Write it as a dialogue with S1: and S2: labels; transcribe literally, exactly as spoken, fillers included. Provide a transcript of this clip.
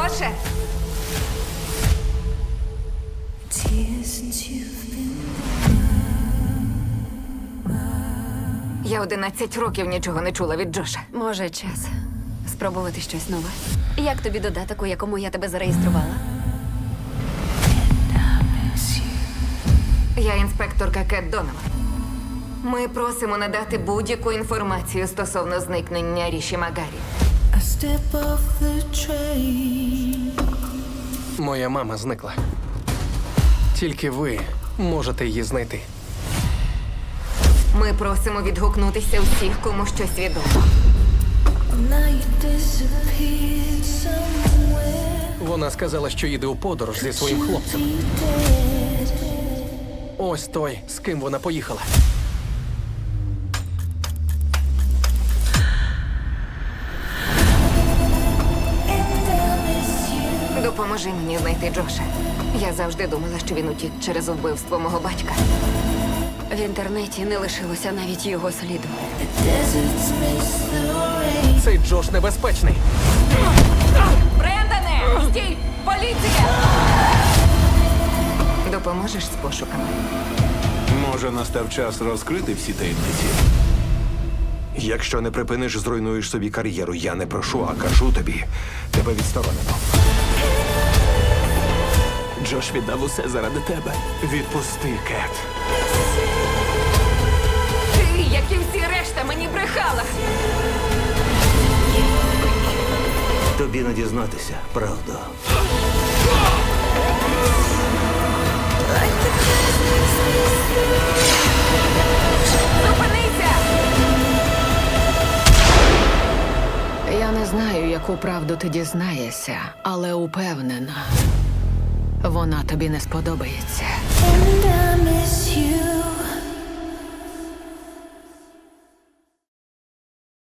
S1: Джоше! Я одинадцять років нічого не чула від Джоша.
S2: Може, час спробувати щось нове. Як тобі додаток, у якому я тебе зареєструвала?
S1: Я інспекторка Кет Донован. Ми просимо надати будь-яку інформацію стосовно зникнення Ріші Магарі.
S3: I step off the train.
S4: Моя мама зникла. Тільки ви можете її знайти.
S1: Ми просимо відгукнутися усіх, кому щось відомо.
S3: Now you disappeared somewhere.
S4: Вона сказала, що їде у подорож зі своїм хлопцем.
S3: You dead.
S4: Ось той, з ким вона поїхала.
S3: And I miss you.
S1: Допоможи мені знайти Джоша. Я завжди думала, що він утік через вбивство мого батька.
S2: В інтернеті не лишилося навіть його сліду.
S3: The deserts miss the rain.
S4: Цей Джош небезпечний.
S1: Брендане! Стій! Поліція! Допоможеш з пошуками?
S5: Може, настав час розкрити всі таємниці?
S6: Якщо не припиниш, зруйнуєш собі кар'єру. Я не прошу, а кажу тобі. Тебе відсторонено.
S4: Джош віддав усе заради тебе.
S6: Відпусти, Кет.
S1: Ти, як і всі решта, мені брехала!
S6: Тобі не дізнатися, правда.
S1: Зупинися!
S7: Я не знаю, яку правду ти дізнаєшся, але упевнена, вона тобі не сподобається.
S3: And